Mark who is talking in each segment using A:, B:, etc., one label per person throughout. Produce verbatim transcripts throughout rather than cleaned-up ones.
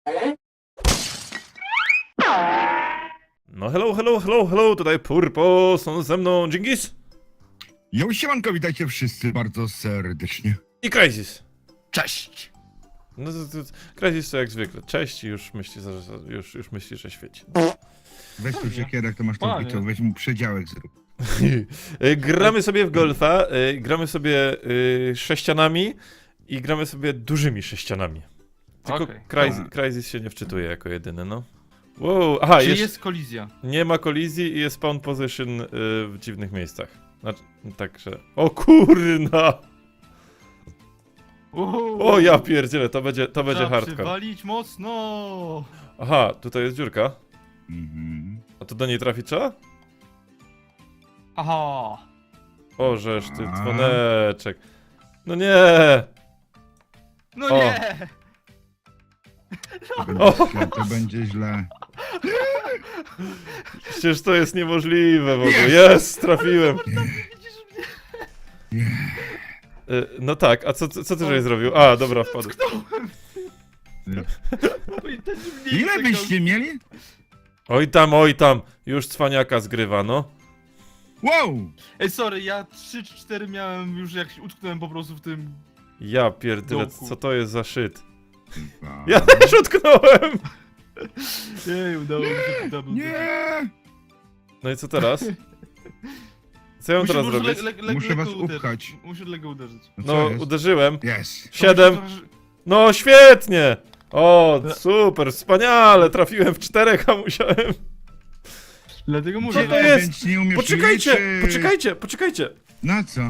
A: No hello, hello, hello, hello, tutaj Purpo, są ze mną Dżingis
B: Jo, siemanko, witajcie wszyscy bardzo serdecznie.
A: i Crysis.
B: Cześć!
A: No to, to, Crysis to jak zwykle, cześć i już myśli, że, już, już myśli, że świeci.
B: Weź tu siekierek, to masz tą
C: Panie.
B: bitą, weź mu przedziałek zrób.
A: Gramy sobie w golfa, y, gramy sobie y, sześcianami i gramy sobie dużymi sześcianami. Tylko
C: Okej.
A: Crysis, Crysis się nie wczytuje jako jedyny, no. Wow, aha,
C: Czy
A: jeszcze
C: jest kolizja?
A: nie ma kolizji i jest spawn position y, w dziwnych miejscach. Znaczy, także... O kurna!
C: Uhu.
A: O ja pierdzielę, to będzie, to będzie
C: Trzeba
A: hardcore.
C: przywalić mocno!
A: Aha, tutaj jest dziurka.
B: Mhm.
A: A to do niej trafi trzeba?
C: Aha!
A: O, żeż ty,
B: A.
A: dzwoneczek. No nie!
C: No
A: O.
C: nie!
B: To będzie źle, to będzie źle.
A: Przecież to jest niemożliwe w ogóle. Jest, trafiłem.
C: Widzisz mnie?
A: Y, No tak, a co, co, co ty żeś zrobił? A, dobra, wpadł.
C: Oj, ten mnie
B: Ile
C: czekał.
B: byście mieli?
A: Oj tam, oj tam. Już cwaniaka zgrywa, no.
B: Wow!
C: Ej, sorry, ja trzy czy cztery miałem już jak się utknąłem po prostu w tym...
A: Ja pierdolę,
C: Dołku.
A: co to jest za shit?
B: Dwa.
A: Ja też utknąłem!
C: Ej, udało mi się double.
B: Nie!
A: No i co teraz? Co ja mam
C: Muszę,
A: teraz
C: muszę
A: zrobić?
C: le- le- le-
B: Muszę
C: lekko
B: was
C: uderzyć.
B: upchać.
C: Muszę lekko uderzyć.
B: No, co
A: No,
B: jest?
A: uderzyłem.
B: Jest.
A: Siedem.
C: To muszę trochę-
A: No świetnie! O, super, wspaniale, trafiłem w czterech, a musiałem...
C: Dlatego mówię.
A: Co to
B: Nie,
A: jest?
B: Więc nie umiesz
A: Poczekajcie,
B: liczyć.
A: poczekajcie, poczekajcie!
B: Na co?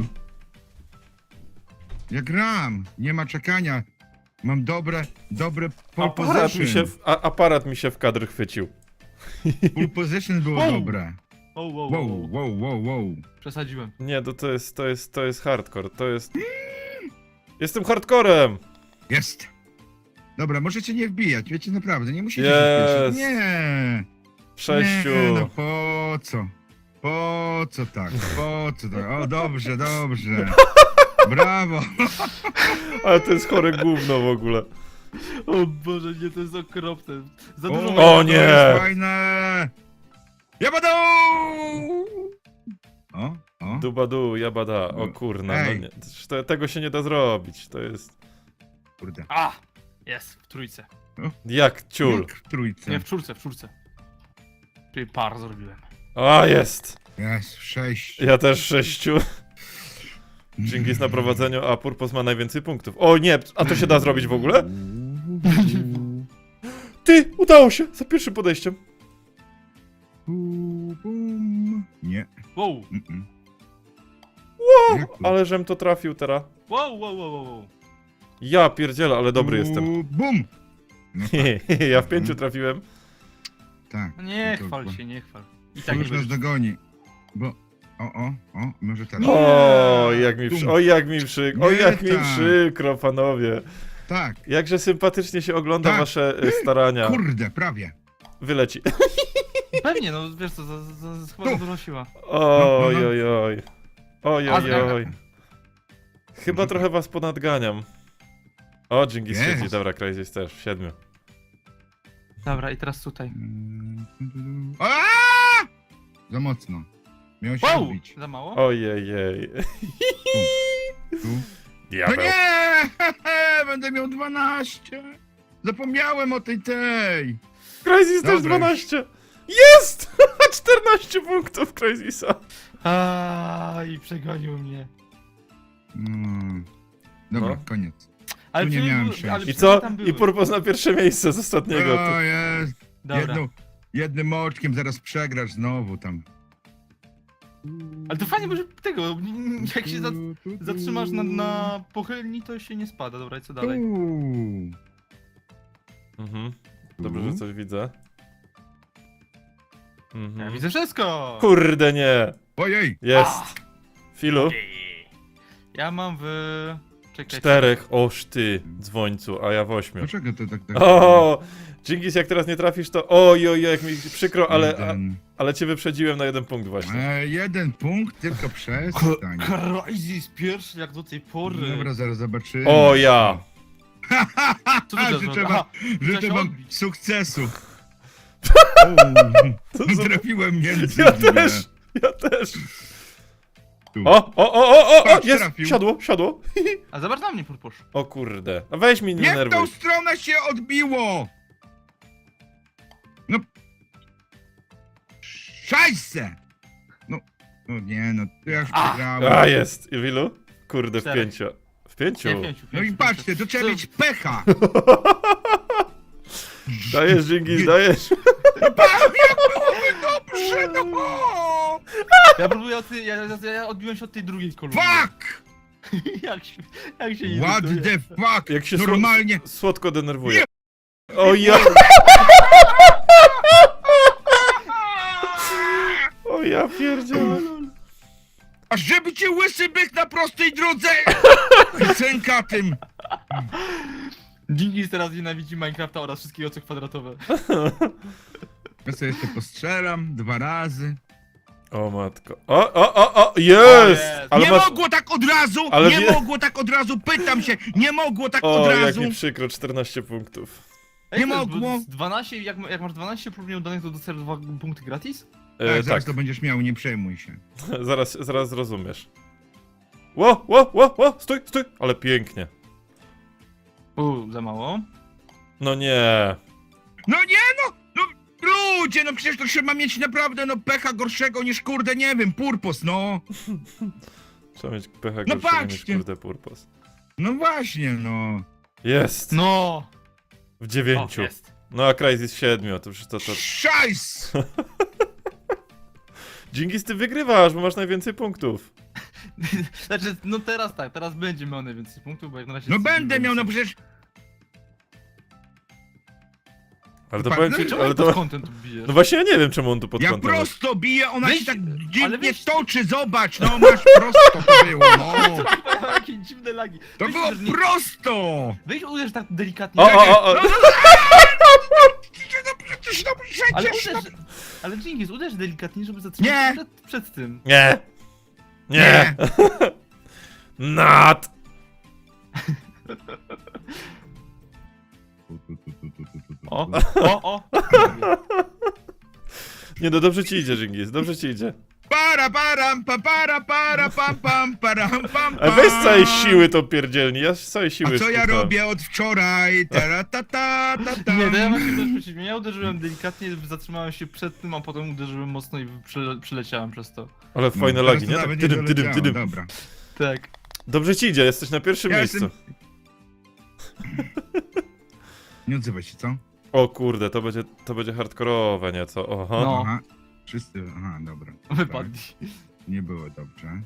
B: Ja gram, nie ma czekania. Mam dobre, dobre pole
A: Aparat mi, się
B: position.
A: w, a, aparat mi się w kadr chwycił.
B: Pole position było
C: Wow.
B: dobre.
C: Wow, wow, wow,
B: Wow,
C: wow.
B: wow, wow, wow.
C: Przesadziłem.
A: Nie, to, to jest, to jest, to jest hardcore, to jest... Jestem hardcorem!
B: Jest. Dobra, możecie nie wbijać, wiecie, naprawdę, nie musicie
A: Jest.
B: się spieszyć. Nie.
A: Sześciu!
B: Nie, no po co? Po co tak? Po co tak? O, dobrze, dobrze. Brawo.
A: Ale to jest chore gówno w ogóle.
C: O Boże, nie, to jest okropne. Za
B: O,
C: dużo
A: O
B: to
A: nie.
B: jest fajne. Jabadą! O, o.
A: Dubadu, jabada, o kurna, no
B: Ej.
A: nie, to, tego się nie da zrobić, to jest...
B: Kurde.
C: A! Jest, w trójce.
A: Jak ciul.
B: Jak w trójce.
C: Nie, w czwórce, w czwórce. Czyli par zrobiłem.
A: A, jest!
B: Jest, sześć.
A: Ja też sześciu. Dżingis na prowadzeniu, a Purpos ma najwięcej punktów. O nie, a to się da zrobić w ogóle? Ty, udało się, za pierwszym podejściem.
B: Bum, bum. Nie.
C: Wow,
B: Mm-mm.
A: Wow,
B: Jak to?
A: ale żem to trafił teraz.
C: wow, wow, wow, wow.
A: Ja pierdzielę, ale dobry jestem.
B: Bu- Bum! No
A: Ja w pięciu trafiłem.
B: tak.
C: No nie
B: To-
C: chwal
B: to-
C: się, nie chwal. I
B: Tak
C: tak nie
B: już nas
C: będziesz.
B: dogoni. Bo. O, o, o, może teraz.
C: Nie.
A: O, jak mi, przy...
B: Bum.
A: oj, jak mi przykro, oj,
B: Nie
A: jak mi
B: tak.
A: przykro, panowie.
B: Tak.
A: Jakże sympatycznie się ogląda
B: Tak.
A: wasze y, starania.
B: Kurde, prawie.
A: Wyleci.
C: Pewnie, no wiesz co, za, za, za, chyba
B: Tu.
C: za dużo siła.
A: Oj,
B: No, no, no.
A: oj, oj. Oj,
C: A,
A: oj, oj. Chyba
B: Może
A: trochę was ponadganiam. O, Dżingis
B: Jest.
A: siedzi, dobra, Crysis też, w siedmiu.
C: Dobra, i teraz tutaj.
B: Mm, Aaaa! Za mocno. Miał się
C: Wow!
B: odbić.
C: Za mało?
A: Ojejej.
B: Tu. No
A: Diabeł.
B: nie! Będę miał dwanaście. Zapomniałem o tej tej.
A: Crysis też
B: Dobra.
A: dwanaście. Jest! czternaście punktów Crysisa.
C: A i przegonił mnie.
B: Mm. Dobra,
A: No.
B: koniec.
C: Ale
B: Tu nie
C: przynajmniej
B: miałem
C: był-
B: szczęścia.
C: ale
A: I
C: przynajmniej
A: co?
C: tam
A: I
C: były.
A: Purpos na pierwsze miejsce z ostatniego.
B: O, jest.
C: Dobra.
B: Jedną, jednym oczkiem zaraz przegrasz znowu tam.
C: Ale to fajnie, może tego, jak się za, zatrzymasz na, na pochylni, to się nie spada. Dobra, i co dalej?
B: Uuu.
A: Mhm. Dobrze, że coś widzę. Mhm.
C: Ja widzę wszystko!
A: Kurde nie.
B: Ojej!
A: Jest. Filu.
C: Ja mam w... Czekaj.
A: Czterech, oż ty, dzwońcu, a ja w ośmiu.
B: Dlaczego to tak tak?
A: O, Dżingis, jak teraz nie trafisz, to oj, oj, jak mi przykro, ale, a,
B: Jeden.
A: ale cię wyprzedziłem na jeden punkt właśnie.
B: E, jeden punkt, tylko przestań.
C: Crysis pierwszy jak do tej pory.
B: Dobra, zaraz zobaczymy.
A: O ja.
C: Co to
B: Życzę
C: za
B: wam,
C: Aha,
B: życzę
C: trzeba się
B: wam
C: odbić.
B: sukcesu.
A: To
B: O,
A: za-
B: trafiłem między
A: Ja
B: dwie.
A: też, ja też.
B: Tu.
A: O, o, o, o, o, o,
B: Patrz,
A: jest,
B: trafił.
A: siadło, siadło.
C: A zobacz na mnie, Purposz.
A: O kurde, no weź mi nie
B: Nie w tą
A: nerwuj.
B: stronę się odbiło! No. Szajse! No, no nie, no to ja już
C: A.
B: przegrałem.
A: A, jest, i w ilu? Kurde, w
C: Czterech.
A: pięciu. W pięciu?
C: Nie, pięciu,
B: No i
C: pięciu,
B: patrzcie,
C: pięciu.
B: to trzeba
C: Co-
B: mieć pecha!
A: Dajesz, Dżingis, dajesz.
B: Pan, jak byłoby dobrze, no!
C: Ja próbuję od tej, ja, ja, ja odbiłem się od tej drugiej kolumny.
B: Fuck!
C: jak się, jak się
B: What
C: irytuje.
B: the fuck?
A: Jak się
B: Normalnie.
A: Słod, słodko denerwuje. O ja, o ja pierdzielę.
B: A żeby cię łysy byk na prostej drodze! Sęka tym!
C: Dżingis teraz nienawidzi Minecrafta oraz wszystkie oce kwadratowe.
B: Ja sobie jeszcze postrzelam dwa razy.
A: O matko. O, o, o, o, jest!
C: jest.
A: Ale
B: nie
A: masz...
B: mogło tak od razu!
A: Ale
B: nie
A: wie-
B: mogło tak od razu! Pytam się! Nie mogło tak
A: O,
B: od
A: jak
B: razu!
A: mi przykro, czternaście punktów.
C: Ej,
B: Nie
C: to jest,
B: mogło.
C: bo z dwanaście, jak, jak masz dwanaście prób nieudanych, to dostajesz dwa punkty gratis?
A: E,
B: Tak,
A: tak,
B: zaraz to będziesz miał, nie przejmuj się.
A: zaraz, zaraz zrozumiesz. Ło, ło, ło, ło, stój, stój! Ale pięknie.
C: Uuu, za mało.
A: No nie.
B: No nie no! No ludzie, no przecież to trzeba mieć naprawdę no pecha gorszego niż kurde, nie wiem, purpos, no!
A: Trzeba mieć pecha
B: No
A: gorszego niż
B: patrzcie.
A: kurde purpos.
B: No właśnie, no.
A: Jest!
C: No!
A: W
C: O,
A: dziewięciu.
C: jest.
A: No a Crysis w siedmiu, to już to, to...
B: Szajs!
A: Dżingis, ty wygrywasz, bo masz najwięcej punktów.
C: Znaczy, no teraz tak, teraz będzie miał najwięcej punktów, bo jak na razie...
B: No
C: jest
B: będę miał, no
C: więcej.
B: przecież...
A: Ale to
B: Pa-
A: powiem
B: no
A: ci,
B: i
C: Czemu
A: ale
C: ale pod
A: to...
C: kątem tu bijesz?
A: No właśnie ja nie wiem, czemu on tu pod
B: Ja
A: kątem jest.
B: prosto biję, ona
C: Weź-
B: się tak
C: ale
B: dziwnie
C: weź-
B: toczy, zobacz, no masz prosto to było, no.
C: Jakie dziwne lagi.
B: To
C: Weź
B: było
C: uderz nie-
B: prosto!
C: Weź uderz tak delikatnie.
A: O, o, o, o.
B: No przecież, no
C: Ale
B: przecież, no...
C: uderz, ale Dżingis, uderz delikatnie, żeby zatrzymać
B: Nie.
C: się przed, przed tym.
A: Nie! Nie! Nat!
C: O, o, o.
A: Nie no, dobrze ci idzie, Dżingis, dobrze ci idzie.
B: Para, param, pa, para, para, pam, pam, param, pam,
A: A
B: pam.
A: weź z całej siły to pierdzielni, ja z całej siły
B: A co ja
A: szukam.
B: robię od wczoraj? Tara, ta, ta, ta, ta.
C: Nie, to ja właśnie też przeciwnie. Ja uderzyłem delikatnie, zatrzymałem się przed tym, a potem uderzyłem mocno i przele przeleciałem przez to.
A: Ale fajne
B: No,
A: lagi,
B: teraz
A: nie?
B: to
A: Tak,
B: nawet
A: tydym, tydym,
B: doleciało,
A: tydym.
B: Dobra.
C: Tak.
A: Dobrze ci idzie, jesteś na pierwszym
B: Ja
A: miejscu.
B: jestem- Nie odzywaj się, co?
A: O kurde, to będzie, to będzie hardkorowe nieco, oho.
C: No.
B: Aha. Wszyscy, aha, dobra.
C: Wypadli.
B: Tak, nie było dobrze.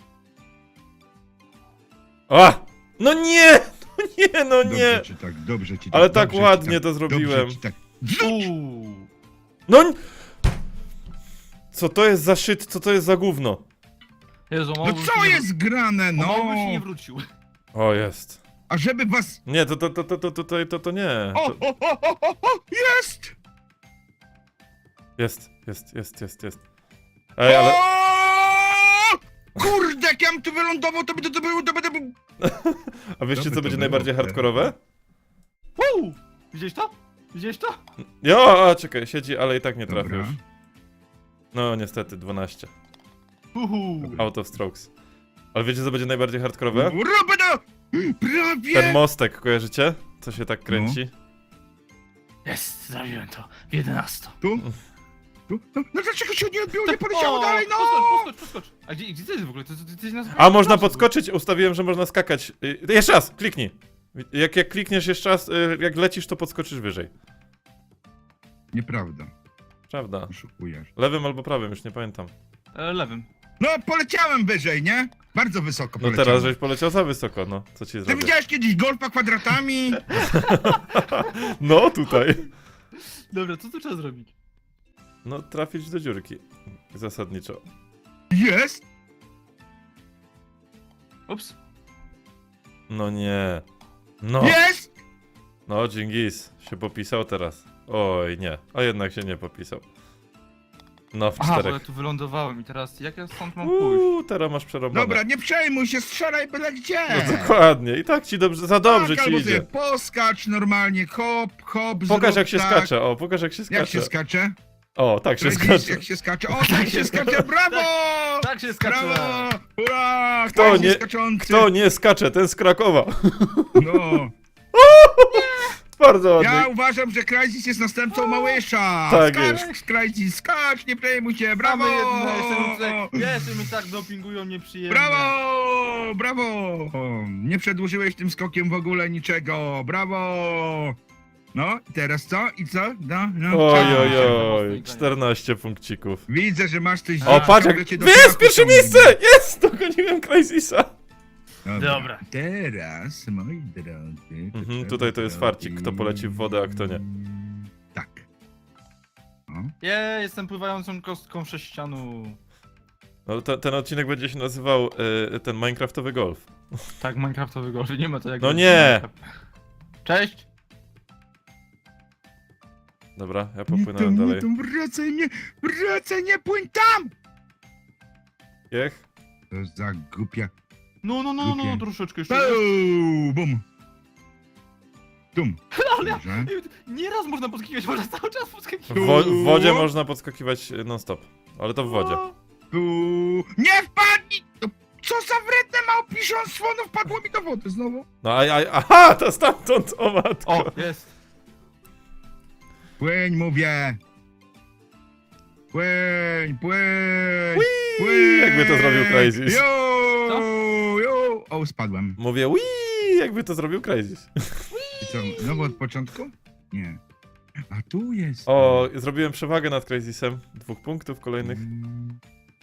A: A! No nie! No nie, no
B: Dobrze
A: nie!
B: ci tak, dobrze ci tak.
A: Ale tak
B: dobrze ci
A: ładnie
B: tak,
A: to zrobiłem.
B: Dobrze ci tak.
C: Uuu.
A: No n- Co to jest za shit, co to jest za gówno?
C: Jezu,
B: No
C: Małgoś
B: co
C: nie-
B: jest grane,
C: O,
B: no?
C: Małgoś nie wrócił.
A: O, jest.
B: A żeby was...
A: Nie, to, to, to, to, to, to, to, to, to nie.
B: O,
A: To...
B: o, o, o, o, o, jest!
A: Jest, jest, jest, jest, jest. Ej, ale...
B: O! Kurde, jak ja bym tu wylądował, to by to, to było, to by to było...
A: A wiecie,
B: to by
A: co
B: to
A: będzie
B: było,
A: najbardziej
B: te-
A: hardkorowe?
C: Uuu. Widziałeś to? Widziałeś to?
A: Jo, a czekaj, siedzi, ale i tak nie trafił
B: Dobra.
A: już. No, niestety, dwanaście.
C: Uhu.
A: Out of strokes. Ale wiecie, co będzie najbardziej hardkorowe?
B: Robię to! Prawie!
A: Ten mostek, kojarzycie? Co się tak kręci?
C: Jest, zrobiłem to. W jedenastu.
B: Tu? Tu? No, no dlaczego się nie odbiło, nie poleciało
C: O,
B: dalej, no!
C: Podskocz, podskocz, podskocz. A gdzie, gdzie to jest w ogóle? To, to, to, to jest na
A: A, można podskoczyć? Ustawiłem, że można skakać. Y, Jeszcze raz, kliknij. Jak, jak klikniesz jeszcze raz, y, jak lecisz, to podskoczysz wyżej.
B: Nieprawda,
A: Prawda.
B: oszukujesz.
A: Lewym albo prawym, już nie pamiętam.
C: E, lewym.
B: No, poleciałem wyżej, nie? Bardzo wysoko
A: No
B: poleciałem.
A: teraz, żeś poleciał za wysoko, no. Co ci
B: Ty
A: zrobię?
B: widziałeś kiedyś golfa kwadratami?
A: No, tutaj.
C: Dobra, co tu trzeba zrobić?
A: No, trafić do dziurki. Zasadniczo.
B: Jest!
C: Ups.
A: No nie. No.
B: Jest!
A: No, Dżingis się popisał teraz. Oj, nie. A jednak się nie popisał. No, w
C: Aha, bo ja
A: czterech.
C: tu wylądowałem i teraz jak ja stąd mam pójść?
A: Uuu, teraz masz przerąbane.
B: Dobra, nie przejmuj się, strzelaj byle gdzie!
A: No dokładnie, i tak ci dobrze, za dobrze
B: tak,
A: ci
B: albo
A: idzie.
B: sobie poskacz normalnie, hop, hop,
A: Pokaż
B: zrób
A: jak się
B: tak.
A: skacze, o, pokaż jak się skacze.
B: Jak się skacze?
A: O, tak się
B: Widzisz,
A: skacze.
B: jak się skacze? O, tak się skacze, brawo!
C: Tak się skacze!
B: Brawo! Ura!
A: Kto
B: Kto
A: nie-
B: nie skaczący?
A: Kto nie skacze, ten z Krakowa.
B: No.
A: Bardzo ładnie.
B: Ja uważam, że Crysis jest następcą Małysza!
A: Tak
B: skacz,
A: jest.
B: Crysis, skacz, nie przejmuj się, brawo!
C: Mamy jedno, jeszcze mi tutaj, jeszcze mi tak dopingują nieprzyjemnie.
B: Brawo! Brawo! Nie przedłużyłeś tym skokiem w ogóle niczego, brawo! No, i teraz co? I co? No, no.
A: Oj,
B: co?
A: oj,
C: Mocno
A: oj,
C: igranie.
A: czternaście punkcików.
B: Widzę, że masz coś...
A: O, patrz jak...
B: ciągle cię do
A: Jest,
B: piachu
A: pierwsze
B: ciągnie.
A: miejsce! Jest! Dogoniłem Crysisa.
C: Dobra.
B: Teraz, moi drodzy...
A: Mhm, tutaj to jest farcik, kto poleci w wodę, a kto nie.
B: Tak. O.
C: Ja jestem pływającą kostką sześcianu.
A: No, te, ten odcinek będzie się nazywał y, ten Minecraftowy golf.
C: Tak, Minecraftowy golf, nie ma to jak...
A: No nie!
C: Cześć!
A: Dobra, ja
B: Nie
A: popłynąłem
B: tam, nie
A: dalej.
B: tam, wracaj, nie, wracaj, nie płyń tam!
A: Jech?
B: To za głupia...
C: No, no, no, no, no,
B: Głupie.
C: troszeczkę jeszcze.
B: Bum! Bum! Tum!
C: Ale ja,
B: Dobrze.
C: nieraz można podskakiwać, można cały czas
A: W,
C: podskakiwać.
A: wo w wodzie można podskakiwać non stop. Ale to w wodzie.
B: Tu... Nie wpadnij! To co za wredne małpiszonstwo, no wpadło mi do wody znowu.
A: No a, a, aha, to stamtąd, o matko.
C: O, jest.
B: Płyń, mówię! Płyń, płyń!
A: Whee!
B: Płyń!
A: Jakby to zrobił Crysis.
B: Jo,
C: Co?
B: jo. O, spadłem.
A: Mówię, wii, jakby to zrobił Crysis.
B: I co, znowu od początku? Nie. A tu jest.
A: O, zrobiłem przewagę nad Crysisem. Dwóch punktów kolejnych.
B: Mm.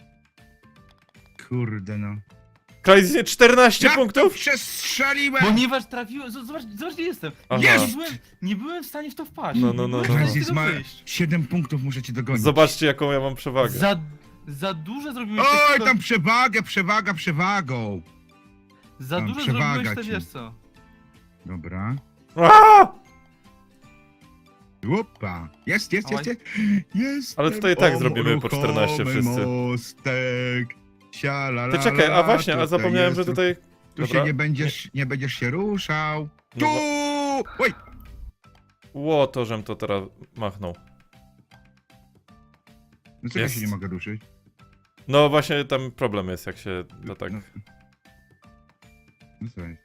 B: Kurde no.
A: Crysis nie czternaście
B: Jak to
A: punktów?
B: przestrzeliłem!
C: Ponieważ trafiłem, z- zobacz, zobacz gdzie jestem.
A: Aha.
C: Nie
B: Jest!
C: byłem, nie byłem w stanie w to wpaść.
A: No, no, no,
C: Nie byłem
A: no.
C: w stanie
B: Crysis
C: z tego
B: ma
C: wyjść.
B: siedem punktów, muszę cię dogonić.
A: Zobaczcie, jaką ja mam przewagę.
C: Za, za dużo zrobiłeś
B: Oj,
C: tego,
B: tam przewagę, przewaga, przewagą.
C: za
B: tam
C: dużo
B: przewaga
C: zrobiłeś te,
B: ci.
C: wiesz co.
B: Dobra.
A: Aaa!
B: Opa. Jest, jest, jest, jest. jest.
A: Ale tutaj i tak zrobimy po czternaście wszyscy.
B: Mostek. Sialala,
A: Ty czekaj, a właśnie, a
B: tutaj
A: zapomniałem, że
B: jest-
A: tutaj...
B: Tu
A: Dobra.
B: się nie będziesz, nie będziesz się ruszał.
A: No
B: Tu!
A: bo-
B: Oj!
A: Ło, to żem to teraz machnął.
B: No co ja
A: Jest.
B: się nie mogę ruszyć?
A: No właśnie tam problem jest, jak się to tak...
B: No, no co jest?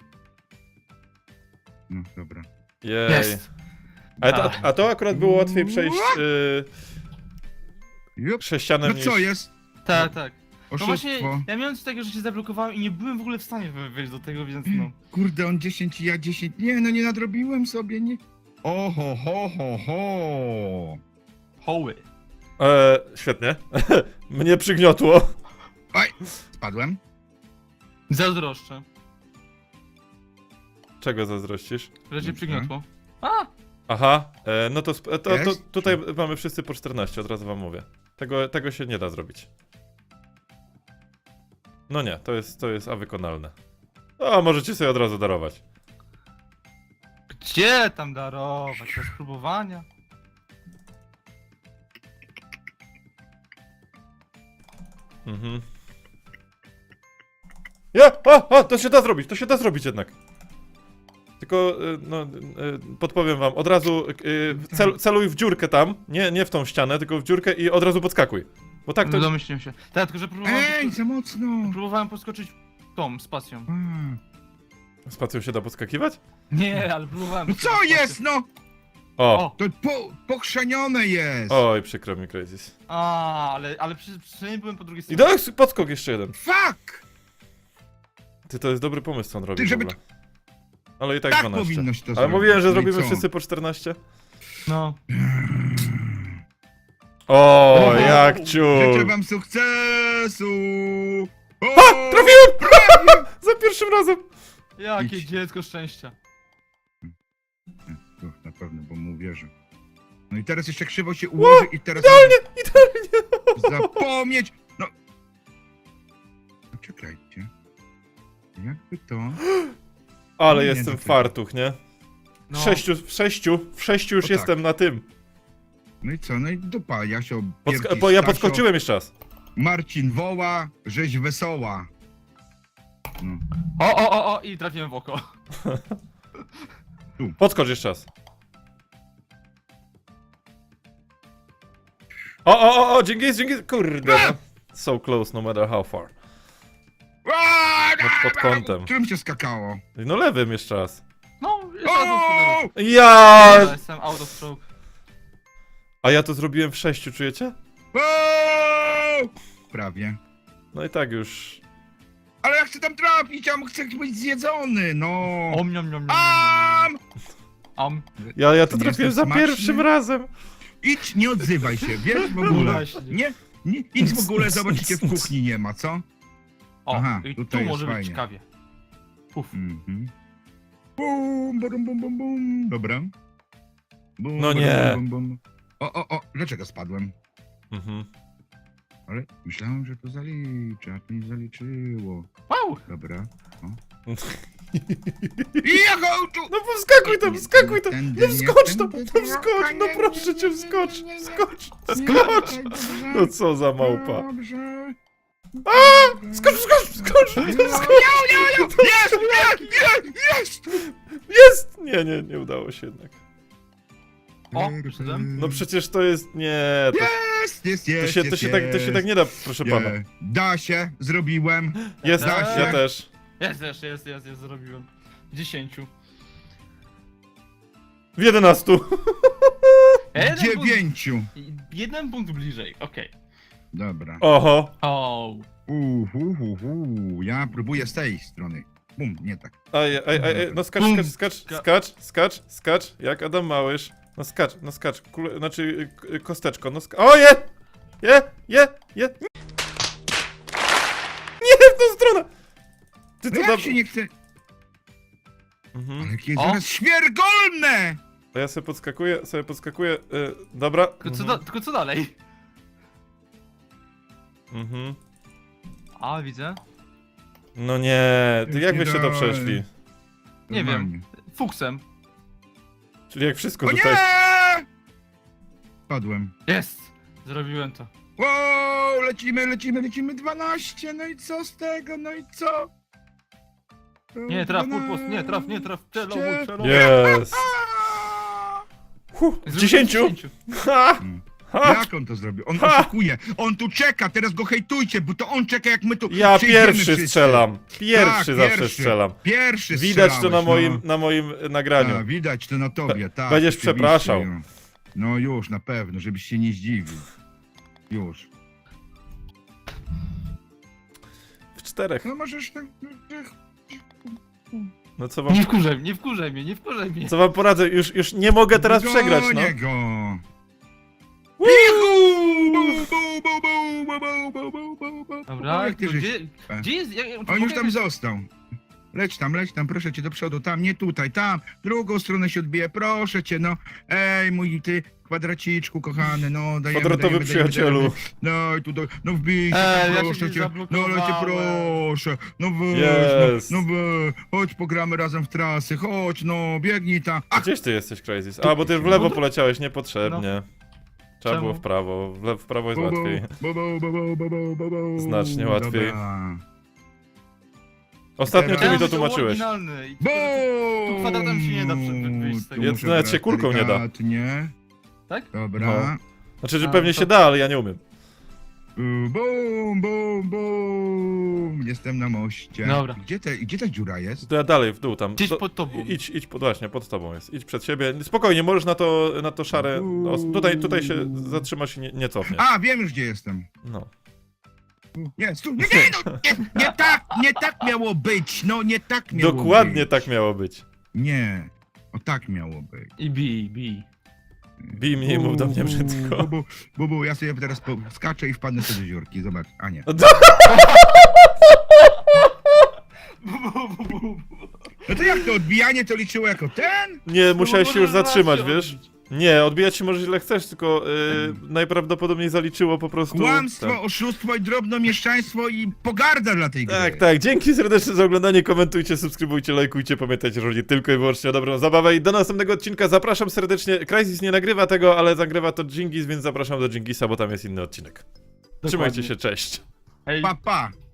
B: No dobra.
A: Jej.
C: Jest.
A: A to, a to akurat było łatwiej przejść yy,
B: Jup.
A: sześcianem
B: No
A: niż...
B: co jest?
C: Tak, tak. No
B: Oszustwo.
C: właśnie, ja miałem coś takiego, że się zablokowałem i nie byłem w ogóle w stanie wy- wejść do tego, więc no.
B: Kurde, on dziesięć i ja dziesięć. Nie, no nie nadrobiłem sobie, nie. Oho, ho, ho, ho.
C: Hoły.
A: E, świetnie. Mnie przygniotło.
B: Oj, spadłem.
C: Zazdroszczę,
A: Czego zazdrościsz?
C: że cię
B: Dobrze.
C: przygniotło. A!
A: Aha, e, no to, sp- to, to
B: Jest?
A: tutaj mamy wszyscy po czternaście, od razu wam mówię. Tego, tego się nie da zrobić. No nie, to jest, to jest awykonalne. O, możecie sobie od razu darować.
C: Gdzie tam darować? Bez próbowania?
A: Mhm. Ja! O, o, to się da zrobić, to się da zrobić jednak. Tylko, y, no, y, podpowiem wam, od razu y, cel, celuj w dziurkę tam, nie, nie w tą ścianę, tylko w dziurkę i od razu podskakuj. Bo tak
C: No
A: to...
C: domyśliłem się. Tak, tylko że próbowałem,
B: Ej,
C: podsko-
B: za mocno.
C: próbowałem podskoczyć tą spacją.
B: A.
A: Spacją się da podskakiwać?
C: Nie, ale próbowałem.
B: No
C: podskoczyć
B: co
C: spacją.
B: jest, no?
A: O!
C: O!
B: To po, pokrzenione jest.
A: Oj, przykro mi, Crysis.
C: A, ale, ale przy, przynajmniej byłem po drugiej
A: I
C: stronie.
A: do podskok jeszcze jeden.
B: Fuck!
A: Ty, to jest dobry pomysł, co on robi
B: Ty,
A: w
B: żeby
A: ogóle. Ale i tak,
B: Tak
A: dwanaście.
B: powinno się to
A: Ale
B: zrobić.
A: mówiłem, że
B: No i
A: zrobimy
B: co?
A: wszyscy po czternaście.
C: No.
A: O,
C: O,
A: jak
B: Życzę
A: ciul.
B: wam sukcesu! O,
A: Ha! Trafiłem!
B: prawie!
A: Za pierwszym razem!
C: Jakie
B: Idź.
C: dziecko szczęścia.
B: Uch, na pewno, bo mu wierzę. No i teraz jeszcze krzywo się ułoży i teraz...
A: Idealnie, idealnie!
B: Zapomnieć! No... Czekajcie. Jakby to...
A: Ale
B: Nie,
A: jestem
B: to ty.
A: fartuch, nie?
C: No.
A: W sześciu, w sześciu, w sześciu już
B: O tak.
A: jestem na tym.
B: No i co, no i dupa, Jasio,
A: Podska
B: Pierki,
A: bo ja
B: Stasio,
A: podskoczyłem jeszcze raz.
B: Marcin woła, rzeź wesoła. No.
C: O, o, o, o, i trafiłem w oko.
A: Podskocz jeszcze raz. O, o, o, o, dzięki, dzięki, kurde. No. So close, no matter how far. Pod, pod kątem.
B: Którym się skakało?
A: No lewym jeszcze raz.
C: No, jeszcze raz
B: O!
C: usunę.
A: Ja!
C: Ja jestem out of stroke.
A: A ja to zrobiłem w sześciu, czujecie?
B: O! Prawie.
A: No i tak już.
B: Ale ja chcę tam trafić, a chcę być zjedzony, no.
C: Om, niom, niom, niom,
B: Am!
C: Om.
A: Ja, ja to
B: Nie
A: trafiłem za
B: jestem smaczny?
A: pierwszym razem.
B: Idź, nie odzywaj się, wiesz w
C: No
B: ogóle.
C: właśnie.
B: Nie, nie, idź w ogóle, zobaczcie, w kuchni nie ma, co?
C: O,
B: Aha,
C: i
B: tutaj
C: tu
B: jest
C: może być
B: fajnie.
C: ciekawie. Puf.
B: Mhm. Bum, bum, bum, bum, bum. Dobra. Bum,
A: No
B: bum,
A: nie.
B: Bum, bum. O, o, o, dlaczego spadłem?
A: Mhm.
B: Ale myślałem, że to zaliczy, a to nie zaliczyło.
C: Wow!
B: Dobra. I ja go tu!
A: No wskakuj tam, wskakuj tam!
B: Tędy
A: No
B: nie,
A: wskocz tam,
B: tędy
A: no
B: nie,
A: wskocz, no
B: nie,
A: proszę
B: nie,
A: cię,
B: nie,
A: wskocz,
B: nie, nie,
A: wskocz,
B: nie,
A: wskocz!
B: dobrze,
A: No co za małpa.
B: Dobrze.
A: A! Skocz, skocz, skocz, skocz!
B: Jest, jest, jest, jest!
A: Jest! Nie, nie, nie udało się jednak.
C: O, przyszedłem.
A: No przecież to jest, nie, to,
B: Jest, jest,
A: to,
B: jest,
A: się, to,
B: jest,
A: się, tak, to się tak nie da, proszę
B: Nie.
A: pana.
B: Da się, zrobiłem.
A: Jest,
C: Da
A: ja
C: się.
A: też.
C: Jest, jest, jest, jest, jest, zrobiłem. Dziesięciu.
A: W jedenastu.
C: Ja jeden punkt,
B: Dziewięciu.
C: jeden punkt bliżej, okej.
B: Dobra.
A: Oho.
C: O.
B: Uhuhuhu. Ja próbuję z tej strony. Bum, nie tak.
A: Aj, aj, aj, aj, no skacz,
C: Bum.
A: skacz, skacz, skacz, skacz, skacz, jak Adam Małysz. No skacz, no skacz, kule, znaczy y, y, kosteczko, no skacz. O, je! Je, je, je! Nie w tą stronę! Ty
B: No
A: to
B: jak
A: dam...
B: się nie chce...
A: Mhm.
B: Ale jakie
C: O.
B: zaraz śmiergolne!
A: To ja sobie podskakuję, sobie podskakuję, y, dobra.
C: Tylko co,
A: Mhm.
C: da, tylko co dalej?
A: Mhm.
C: A, widzę.
A: No nie, ty jak
B: Nie
A: wyście to
B: daj.
A: przeszli?
C: Nie
B: Normalnie.
C: wiem. Fuksem.
A: Czyli jak wszystko
B: O
A: tutaj...
B: nie! Padłem.
C: Jest! Zrobiłem to.
B: Wow, lecimy, lecimy, lecimy dwanaście, no i co z tego, no i co?
C: Nie, traf, purpos, nie, traf, nie, traf, celowuj, celowuj.
A: Jest!
B: Aaa!
A: Huh, w
C: Zrobiłem
A: dziesięciu! Ha!
B: Mm.
A: Ha!
B: Jak on to zrobił? On
A: Ha!
B: oszukuje, on tu czeka, teraz go hejtujcie, bo to on czeka jak my tu
A: Ja
B: przyjdziemy
A: pierwszy
B: wszyscy.
A: strzelam. Pierwszy
B: Tak,
A: zawsze
B: pierwszy.
A: strzelam.
B: Pierwszy
A: Widać to na
B: strzelałeś,
A: moim,
B: no.
A: na moim e, nagraniu.
B: A, widać to na tobie, tak.
A: będziesz
B: oczywiście,
A: przepraszał.
B: no. No już, na pewno, żebyś się nie zdziwił. Już.
A: W czterech.
B: No możesz tak...
A: No co wam,
C: Nie wkurzaj mnie, nie wkurzaj mnie, nie wkurzaj mnie.
A: co wam poradzę? Już, już nie mogę teraz
B: Gonię
A: przegrać, no.
B: go.
C: Dobra,
B: Jak ty żeś-
C: gdzie, gdzie jest... Jak,
B: On już tam został. Leć tam, leć tam, proszę cię do przodu, tam, nie tutaj, tam, drugą stronę się odbije, proszę cię, no. Ej, mój ty kwadraciczku kochany, no, dajemy,
A: Kwadratowy
B: dajemy,
A: przyjacielu.
B: Dajemy, no i tu, do, no wbij się,
C: Ej,
B: tam,
C: ja się
B: proszę
C: gdzieś
B: cię, no lecie,
C: zablokowałem.
B: proszę, no weź,
A: Jest.
B: no, no we, chodź pogramy razem w trasy, chodź, no, biegnij tam. Ach,
A: Gdzieś ty jesteś, Crazy? A, bo ty w lewo poleciałeś niepotrzebnie. Trzeba
C: Czemu?
A: było w prawo. W, le w prawo jest
B: bu, bu,
A: łatwiej.
B: bu, bu, bu, bu, bu, bu, bu, bu.
A: Znacznie łatwiej.
B: Dobra.
A: Ostatnio ty mi to
C: Chciałem, że
A: tłumaczyłeś.
C: oryginalny i
B: Bo!
C: tylko, że tu kwadratem się nie da prze- wyjść z tego.
A: Jest- nawet się kulką nie da.
B: Nie.
C: Tak?
B: Dobra.
A: No. Znaczy, że
C: A,
A: pewnie
C: to-
A: się da, ale ja nie umiem.
B: Bum, bum, bum. Jestem na moście.
C: Dobra.
B: Gdzie, te, gdzie ta dziura jest?
A: To ja dalej, w dół tam.
C: Gdzieś
A: Do-
C: pod tobą.
A: Idź, idź, pod, właśnie, pod tobą jest. Idź przed siebie. Spokojnie, możesz na to, na to szare... No, tutaj, tutaj się zatrzymasz i nie, nie cofniesz.
B: A, wiem już gdzie jestem.
A: No.
B: Nie, stu, nie, nie, no, nie, nie tak, nie tak miało być, no nie tak miało
A: Dokładnie
B: być.
A: tak miało być.
B: Nie, o tak miało być.
C: I bij, bij.
A: Bij mnie i mów do mnie brzydko.
B: Bubu, bubu, ja sobie teraz po- skaczę i wpadnę sobie do dziurki, zobacz, a nie. No to jak to odbijanie to liczyło jako ten?
A: Nie, musiałeś się już
C: Możesz raz
A: zatrzymać,
C: się
A: wiesz?
C: odbić.
A: Nie, odbijać się możesz ile chcesz, tylko yy, najprawdopodobniej zaliczyło po prostu...
B: Kłamstwo,
A: tak.
B: oszustwo i drobnomieszczaństwo i pogarda dla tej gry.
A: Tak, tak, dzięki serdecznie za oglądanie, komentujcie, subskrybujcie, lajkujcie, pamiętajcie, że chodzi tylko i wyłącznie o dobrą zabawę i do następnego odcinka zapraszam serdecznie, Crysis nie nagrywa tego, ale zagrywa to Dżingis, więc zapraszam do Dżingisa, bo tam jest inny odcinek. Trzymajcie się, cześć.
C: Hej.
B: Pa, pa.